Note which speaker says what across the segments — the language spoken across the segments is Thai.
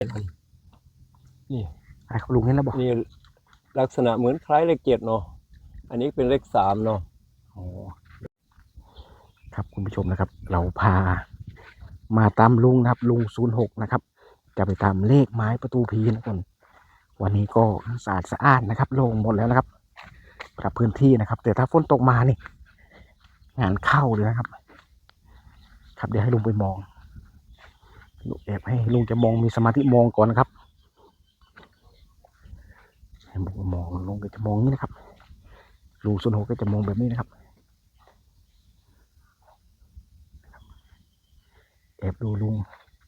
Speaker 1: นี่
Speaker 2: อะไรครับลุงเห็นแล้วบอก
Speaker 1: นี่ลักษณะเหมือนคล้ายเลข7เนาะอันนี้เป็นเลข3เนาะ
Speaker 2: โอ้ครับคุณผู้ชมนะครับ เราพามาตามลุงนะครับลุง06นะครับจะไปตามเลขไม้ประตูผีนะคนวันนี้ก็สะอาดสะอ้านนะครับโล่งหมดแล้วนะครับปรับพื้นที่นะครับแต่ถ้าฝนตกมานี่งานเข้าเลยนะครับครับเดี๋ยวให้ลุงไปมองแอบให้ลุงจะมองมีสมาธิมองก่อนนะครับให้ลุงมองลุงก็จะมองนี่นะครับลุง06ก็จะมองแบบนี้นะครับแอบดูลุง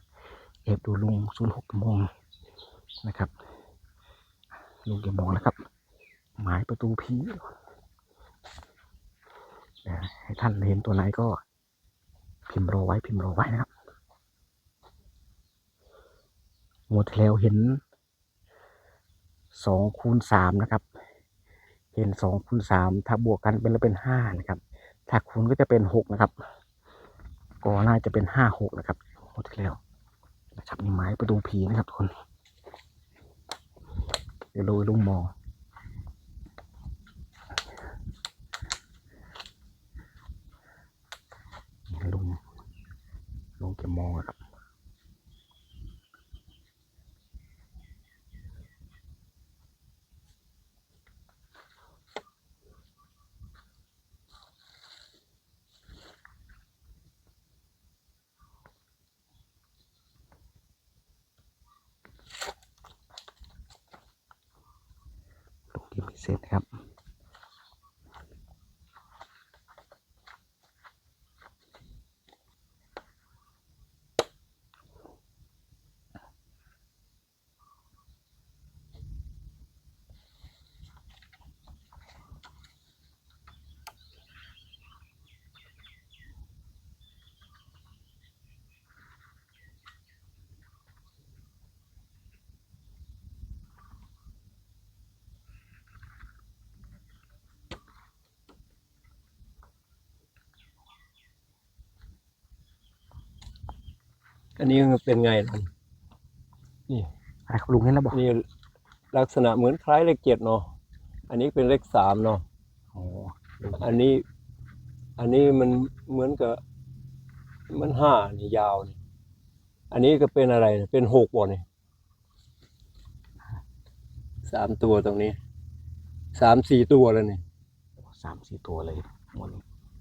Speaker 2: 06มองนะครับลุงจะมองนะครับหมายประตูผีให้ท่านเห็นตัวไหนก็พิมพ์รอไว้นะครับงวดที่แล้วเห็น2 คูณ 3นะครับเห็น2 คูณ 3ถ้าบวกกันเป็นแล้วเป็น5นะครับถ้าคูณก็จะเป็น6นะครับก็น่าจะเป็น56นะครับงวดที่แล้วนะครับนี่ไม้ประตูผีนะครับทุกคนเดี๋ยวลุงมองลุงจะมองครับลุงยังไม่เสร็จนะครับ
Speaker 1: อันนี้เป็นไงล่ะนี่
Speaker 2: อะไรครับลุงเห็นแล้วบอก
Speaker 1: นี่ลักษณะเหมือนคล้ายเลข7เนาะอันนี้เป็นเลข3เนาะ
Speaker 2: โอ้
Speaker 1: อันนี้มันเหมือนกับมัน5นี่ยาวนี่อันนี้ก็เป็นอะไรเป็น6บ่นี่3 ตัวตรงนี้3-4 ตัวแล้วนี่
Speaker 2: 3-4ตัวเลยหมด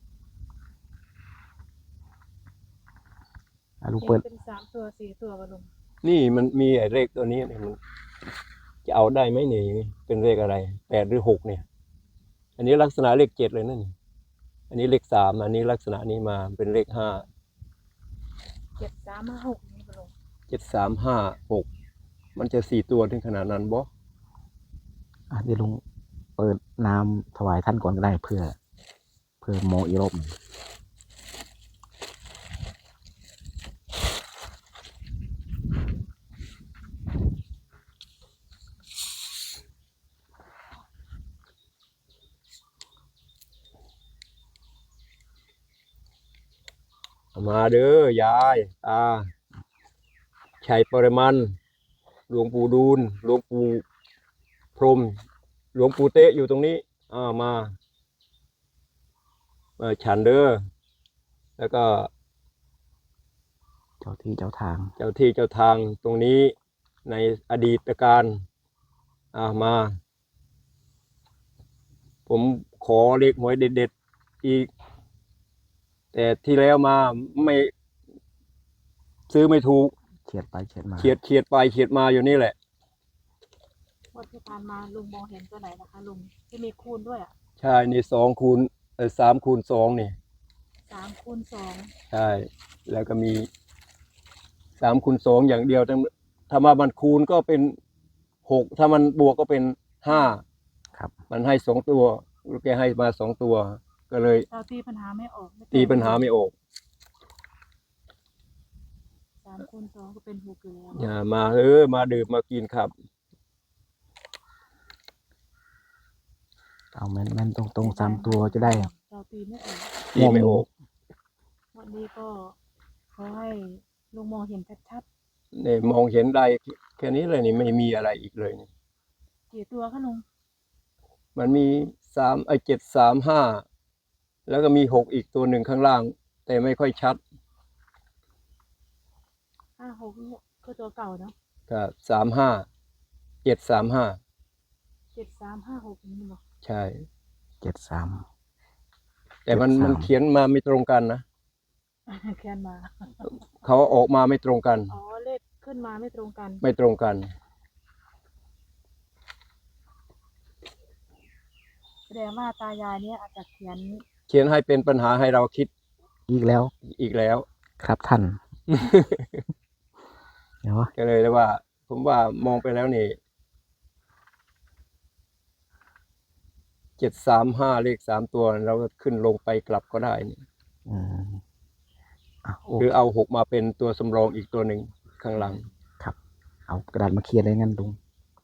Speaker 2: ลุงเปิด
Speaker 3: เป็น3 ตัว 4 ตัวกันลุง
Speaker 1: นี่มันมีไอ้เลขตัวนี้เนี่ยมันจะเอาได้ไหมนี่เป็นเลขอะไร8หรือ6เนี่ยอันนี้ลักษณะเลข7เลยนั่นอันนี้เลข3อันนี้ลักษณะนี้มาเป็นเลข5
Speaker 3: 7-3-5-6นี่กันลุง
Speaker 1: 7-3-5-6มันจะ4 ตัวถึงขนาดนั้นบ่
Speaker 2: เดี๋ยวลุงเปิดน้ำถวายท่านก่อนก็ได้เพื่อมองอีกรอบหนึ่ง
Speaker 1: มาเด้อยายชัยปริมันหลวงปู่ดูลหลวงปู่พรหมหลวงปู่เตะอยู่ตรงนี้มาฉันเด้อแล้วก็
Speaker 2: เจ้าที่เจ้าทาง
Speaker 1: ตรงนี้ในอดีตการมาผมขอเลขหวยเด็ดๆอีกแต่ที่แล้วมาไม่ซื้อไม่ถูก
Speaker 2: เฉียดไปเฉียดมา
Speaker 1: เฉียดไปเฉียดมาอยู่นี่แหละ
Speaker 3: วันที่ผ่านมาลุงมองเห็นตัวไหนนะคะลุงที่มีคูณด้วย
Speaker 1: ใช่นี่3 คูณ 2นี่
Speaker 3: 3-2
Speaker 1: ใช่แล้วก็มี3 คูณ 2อย่างเดียวถ้ามามันคูณก็เป็น6ถ้ามันบวกก็เป็น5
Speaker 2: ครับ
Speaker 1: มันให้2 ตัวแกให้มา2 ตัวก็เลย
Speaker 3: เราตีปัญหาไม่ออก
Speaker 1: ตีปัญหาไม่ออก
Speaker 3: 3-2ก็เป็น6อยู่แล้ว
Speaker 1: อย่ามามาดื่มมากินครับ
Speaker 2: เอาแม่นตรง3 ตัวจะได้
Speaker 3: เราตีไม่ออก
Speaker 1: ตีไม่ออก
Speaker 3: วันนี้ก็ขอให้ลุงมองเห็นชัด
Speaker 1: เนี่ยมองเห็นได้แค่นี้เลยนี่ไม่มีอะไรอีกเลยนี่
Speaker 3: กี่ตัวคะลุง
Speaker 1: มันมี735แล้วก็มี6อีกตัวหนึ่งข้างล่าง แต่ไม่ค่อยชัด
Speaker 3: 56นี่คือตัวเก่าเนาะ
Speaker 1: ก็735
Speaker 3: 7356นี่บอก
Speaker 1: ใช่
Speaker 2: 73
Speaker 1: แต่มัน
Speaker 2: 73
Speaker 1: เขียนมาไม่ตรงกันนะ
Speaker 3: แคนมา
Speaker 1: เขาออกมาไม่ตรงกัน
Speaker 3: อ๋อเลขขึ้นมาไม่ตรงกัน
Speaker 1: ไม่ตรงกัน
Speaker 3: แสดงว่าตายายเนี่ยอาจจะเขียน
Speaker 1: เขียนให้เป็นปัญหาให้เราคิด
Speaker 2: อีกแล้ว
Speaker 1: อีกแล้ว
Speaker 2: ครับท่าน เดี๋ยว
Speaker 1: ก็เลยว่า ผมว่ามองไปแล้วนี่735เลข3ตัวเราก็ขึ้นลงไปกลับก็ได้นี่
Speaker 2: อืมโอ้
Speaker 1: หรือเอา6มาเป็นตัวสำรองอีกตัวหนึ่งข้างหลัง
Speaker 2: ครับ เอากระดาษมาเขียนเลยงั้นลุง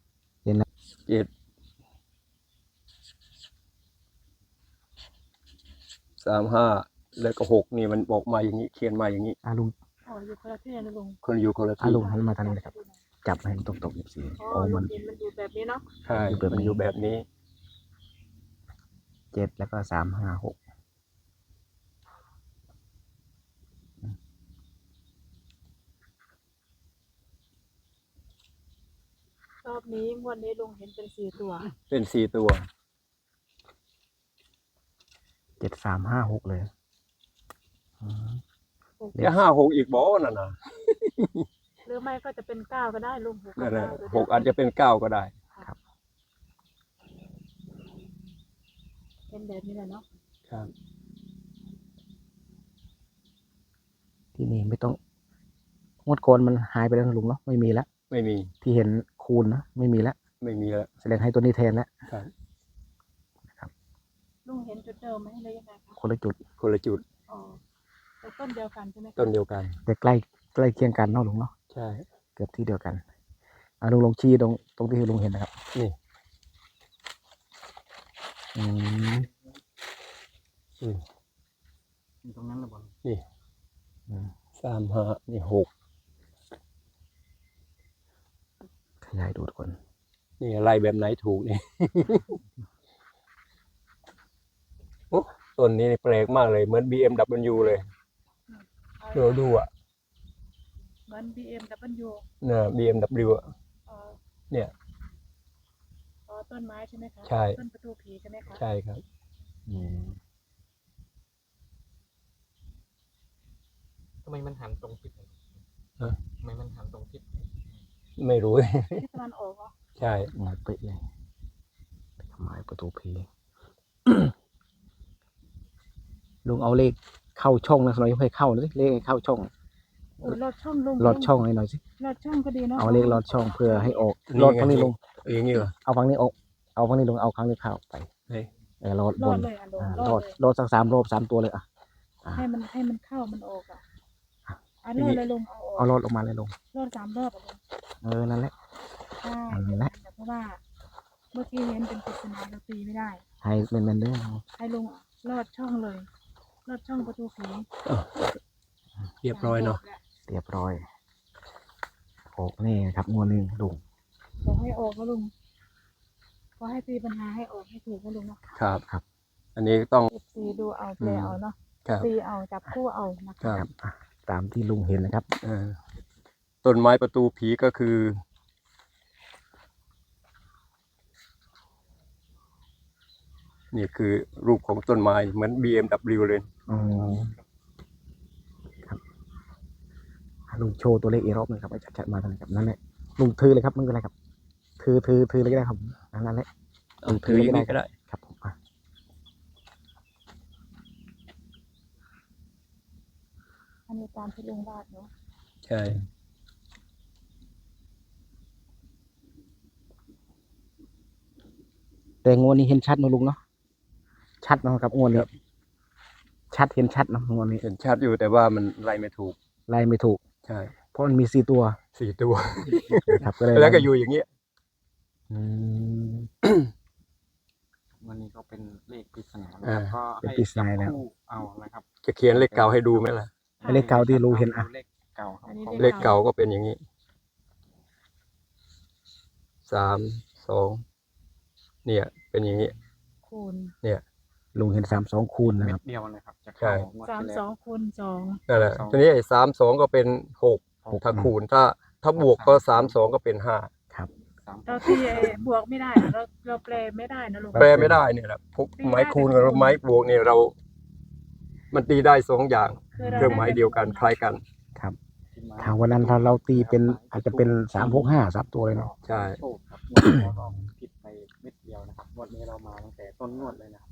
Speaker 1: 735แล้วก็6นี่มันบอกมาอย่างนี้ เขียนมาอย่างนี้
Speaker 2: ลุง
Speaker 3: อ๋ออยู่คนละที่นะลุง
Speaker 1: คนอยู่คนละ
Speaker 2: อ่ะ
Speaker 1: ที่
Speaker 2: ลุง หันมาทางนี้เลยครับ จับให้มันตรงๆอีกสิ
Speaker 3: อ๋อ
Speaker 2: โอ้
Speaker 3: ลุ
Speaker 2: มัน
Speaker 3: งเห็นมันอยู่แบบนี้เนาะ
Speaker 1: ใช่
Speaker 2: อยู่แบบนี้
Speaker 1: มันอยู่แบบนี้
Speaker 2: 7แล้วก็356
Speaker 3: รอบนี้งวดนี้ลุงเห็นเป็น4ตัว
Speaker 1: เป็น4ตัว
Speaker 2: 7356เลยอืม
Speaker 1: จะ5-6อีกบ่นั่นน่ะ
Speaker 3: หรือไม่ก็จะเป็น9ก็ได้ลุง6
Speaker 1: นั่นน่ะ
Speaker 3: กับ
Speaker 1: 6อาจจะเป็น9ก็ได้
Speaker 3: เป็นแบบนี้แหละเนาะ
Speaker 1: ครับ
Speaker 2: ที่นี่ไม่ต้องงวดก่อนมันหายไปแล้วนะลุงเนาะ ไม่มีแล้ว
Speaker 1: ไม่มี
Speaker 2: ที่เห็นคูณนะไม่มีแล้ว
Speaker 1: ไม่มีแล้ว
Speaker 2: แสดงให้ตัวนี้แทนแล้ว
Speaker 1: ครับ
Speaker 3: ลุงเห็นจุดเดิมไหมหรือยังไงคะ
Speaker 2: คนละจุด
Speaker 1: คนละจุด
Speaker 3: อ๋อแต่ต้นเดียวกันใช่ไหมคะ
Speaker 1: ต้นเดียวกัน
Speaker 2: แต่ใกล้เคียงกันเนาะลุงเนาะ
Speaker 1: ใช่
Speaker 2: เกือบที่เดียวกันลุงลองชี้ตรงที่ลุงเห็นนะครับ
Speaker 1: นี่
Speaker 2: อืม
Speaker 1: อืม
Speaker 2: ตรงนั้นละบอล
Speaker 1: นี่
Speaker 2: อืม
Speaker 1: 35นี่6
Speaker 2: ขยายดูทุกคน
Speaker 1: นี่อะไรแบบไหนถูกนี่ โอ้ต้นนี้แปลกมากเลยเหมือน BMW เลยเราดูอ่ะ
Speaker 3: เหมือน BMW
Speaker 1: น่ะ BMW อ่ะ
Speaker 3: อ๋อ
Speaker 1: เนี่ย
Speaker 3: อ๋อต้นไม้ใช่ไหมคะ
Speaker 1: ใช่
Speaker 3: ต้นประตูผีใช่ไหมคะ
Speaker 1: ใช่ครับ
Speaker 2: อืม
Speaker 4: ทำไมมันหันตรงทิศ
Speaker 1: ฮะ
Speaker 4: ทำไมมันหันตรงทิศ
Speaker 1: ไม่รู้
Speaker 3: ที่ตะวันออกเหรอ
Speaker 1: ใช่
Speaker 2: หน่อยเป๊ะเลยไม้ประตูผี ลุงเอาเลขเข้าช่องนะหน่อยให้เข้านะสิเลขให้เข้าช่อง
Speaker 3: โอ้ยลอดช่องลุง
Speaker 2: ลอดช่องให้หน่อยสิ
Speaker 3: ลอดช่องก็ดีเนาะ
Speaker 2: เอาเลขลอดช่องเพื่อให้ออกลอดฝั่งนี้ลง
Speaker 1: อย่างนี้เหรอ
Speaker 2: เอาฝั่งนี้ออกเอาฝั่งนี้ลงเอาครั้งนี้เข้าไป
Speaker 1: เฮ้ย
Speaker 2: ลอด
Speaker 3: ล
Speaker 2: บ
Speaker 3: อด
Speaker 2: น
Speaker 3: เลยอ่ะลุง
Speaker 2: ล
Speaker 3: ล
Speaker 2: อ
Speaker 3: อ
Speaker 2: ด
Speaker 3: ดเลย
Speaker 2: ลอดสัก3 รอบ 3 ตัวเลยอ่ะ
Speaker 3: ให้มันเข้ามันออกอ่ะอ่ะลอดเลยลุงเอาอ
Speaker 2: เอา
Speaker 3: อก
Speaker 2: ลอดลงมาเลยลง
Speaker 3: ลอด3 รอบอ่ะลุง
Speaker 2: นั่นแหละ
Speaker 3: ใช่
Speaker 2: นั่นแหละ
Speaker 3: แต่เพราะว่าเมื่อกี้เห็นเป็นปริศนาเราตีไม่ได้
Speaker 2: ให้เป็นเด้อ
Speaker 3: ให้ลุงลอดช่องเลย ลอดช่องประตูผี
Speaker 1: เรียบร้อยเนาะ
Speaker 2: เรียบร้อยออกนี่ครับงวดหนึงลุง
Speaker 3: ขอให้ออกนะลุงขอให้ตีปัญหาให้ออกให้ถูกนะลุงเนาะ
Speaker 1: ครับ อันนี้ต้อง
Speaker 3: ตีดูเอาแปลเอาเนาะ
Speaker 1: ครับ
Speaker 3: ตีเอาจับคู่เอานะ
Speaker 1: ครั
Speaker 3: คะ
Speaker 1: บ
Speaker 2: ตามที่ลุงเห็นนะครับ
Speaker 1: ต้นไม้ประตูผีก็คือ นี่คือรูปของต้นไม้เหมือน BMW เลย
Speaker 2: อ๋อครับลุงโชว์ตัวเลขอีกรอบหนึงครับให้ชัดๆมาทางนี้ครับนั่นแหละลุงถือเลยครับไม่เป็นไรครับถือเลยก็ได้ครับนั่นแหละ
Speaker 1: เอาถืออย่างนี้ก็ได้
Speaker 2: ครับผม
Speaker 3: อันนี้ตามที่ลุงวาดเนาะ
Speaker 1: ใช่
Speaker 2: แต่งวดนี้เห็นชัดนะลุงเนาะชัดนะครับงวดนี้ชัดเห็นชัดนะงวดนี้
Speaker 1: เห็นชัดอยู่แต่ว่ามันไล่ไม่ถูก
Speaker 2: ไล่ไม่ถูก
Speaker 1: ใช่
Speaker 2: เพราะมันมี4 ตัว
Speaker 1: 4 ตัว
Speaker 2: ครับก็เลย
Speaker 1: แล้วก็อยู่อย่างเงี้ย
Speaker 2: อืม
Speaker 4: วันนี้ก็เป็นเลขปริศนา
Speaker 1: อ่า
Speaker 4: ก็
Speaker 2: เป็น
Speaker 4: ให้
Speaker 2: ปริศนาแล้ว
Speaker 4: จับคู่เอานะครับ
Speaker 1: จะเขียนเลขเก่าให้ดูไหมล่ะ
Speaker 2: เลขเก่าที่ลุงเห็นอ่ะ
Speaker 4: เลขเก่าครับ
Speaker 3: อันนี้
Speaker 1: เลขเก่าก็เป็นอย่างนี้ 32เนี่ย เป็นอย่างนี้
Speaker 3: คูณ
Speaker 1: เนี่ย
Speaker 2: ลุงเห็น32คูณนะ
Speaker 4: เม็
Speaker 2: ครั
Speaker 4: ด
Speaker 2: บ
Speaker 4: เดียวนะครับจะ
Speaker 1: ใช่
Speaker 4: เข้างวดที่แล้ว
Speaker 3: 32คูณ2
Speaker 1: นั่นแหละ
Speaker 4: 32
Speaker 1: ทีนี้ไอ้32ก็เป็น6ถ้าคูณถ้าบวกก็32ก็เป็น5
Speaker 2: ครับ
Speaker 3: เราตีบวกไม่ได้นะเราแปลไม่ได้นะลุง
Speaker 1: แปลไม่ได้เนี่ยแหละพวกไม้คูณกับไม้บวกเนี่ยมันตีได้2อย่าง
Speaker 3: คือ
Speaker 1: เครื่องหมายเดียวกันคล้ายกัน
Speaker 2: ครับ
Speaker 4: ที่ม
Speaker 2: ถ้าวันนั้นถ้าเราตีเป็นอาจจะเป็น365 3ตัวเลยเนาะ
Speaker 1: ใช่
Speaker 4: โชคครับงวดที่แล้วก็ผิดไปเม็ดเดียวนะครับงวดนี้เรามาตั้งแต่ต้นงวดเลยนะครับ